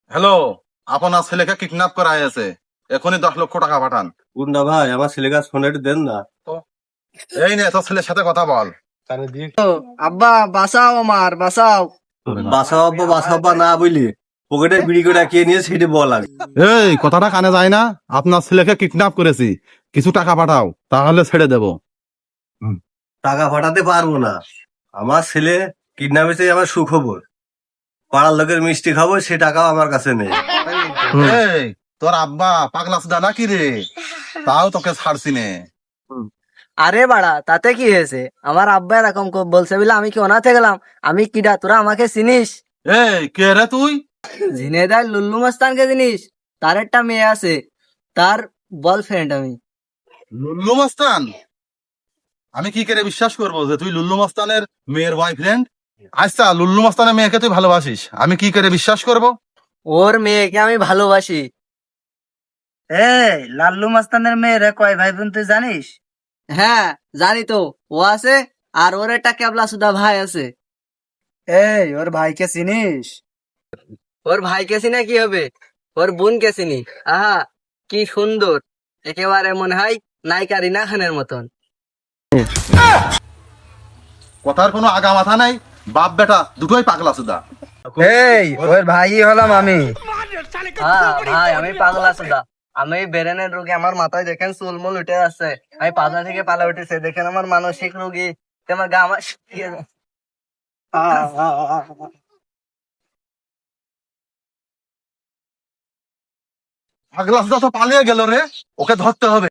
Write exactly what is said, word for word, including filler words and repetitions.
Hello, আপনার ছেলেকে kidnap করা হয়েছে। এখনই দশ লক্ষ টাকা পাঠান। গুন্ডা ভাই আমার ছেলে কাজ ফোন একটু দেন না। এই নে তোর ছেলের সাথে কথা বল। আব্বা বাঁচাও আমার বাঁচাও। বাসা আব্বা বাসা আব্বা না বুঝলি, পকেটে বিড়ি করে কে নিয়ে সেটা বল আগে। এই কথাটা কানে যায় না? আপনার ছেলেকে কিডন্যাপ করেছি, কিছু টাকা পাঠাও, তাহলে ছেড়ে দেব। টাকা পাঠাতে পারবো না, আমার ছেলে কিডন্যাপ হয়েছে আমার সুখবর। পাড়ার লোকের মিষ্টি খাবো, সে টাকাও আমার কাছে নেই। এই তোর আব্বা পাগলা সুদা নাকি রে? তাও তোকে ছাড়ছি নে। আরে বাড়া তাতে কি হয়েছে? আমার আব্বা এরকম ক- বলছে বলে আমি কি অনাথে গেলাম? আমি কিডা, তোরা আমাকে চিনিস? এই কে রে তুই? ঝিনেদার লুল্লু মস্তানকে চিনিস? তার একটা মেয়ে আছে, তার বয়ফ্রেন্ড আমি। লুল্লু মস্তান? আমি কি করে বিশ্বাস করবো যে তুই লুল্লু মস্তানের মেয়ের বয়ফ্রেন্ড? আচ্ছা, লুল্লু মস্তানের মেয়েকে তুই ভালোবাসিস, আমি কি করে বিশ্বাস করব? ওর মেয়েকে আমি ভালোবাসি। এই লাল্লু মস্তানের মেয়েরা কয় ভাই বোন তুই জানিস? হ্যাঁ জানি তো, ও আছে আর ওর একটা কেবলা সুদা ভাই আছে। এই ওর ভাইকে চিনিস? ওর ভাইকে চিনে কি হবে, ওর বোনকে চিনি। আহা কি সুন্দর, একেবারে মনে হয় নায়িকা রিনা খানের মতন। কথার কোনো আগা মাথা নাই, বাপ বেটা দুটোই পাগলা সুদা। এই ওর ভাই হলাম আমি। হ্যাঁ ভাই, আমি পাগলা সুদা। আমি ব্রেনের রোগী, আমার মাথায় দেখেন চুলমুল উঠে আছে, আমি পাতা থেকে পালা উঠেছে, দেখেন আমার মানসিক রোগী, আমার গা আমার পাগলা সুদা তো পালিয়ে গেল রে, ওকে ধরতে হবে।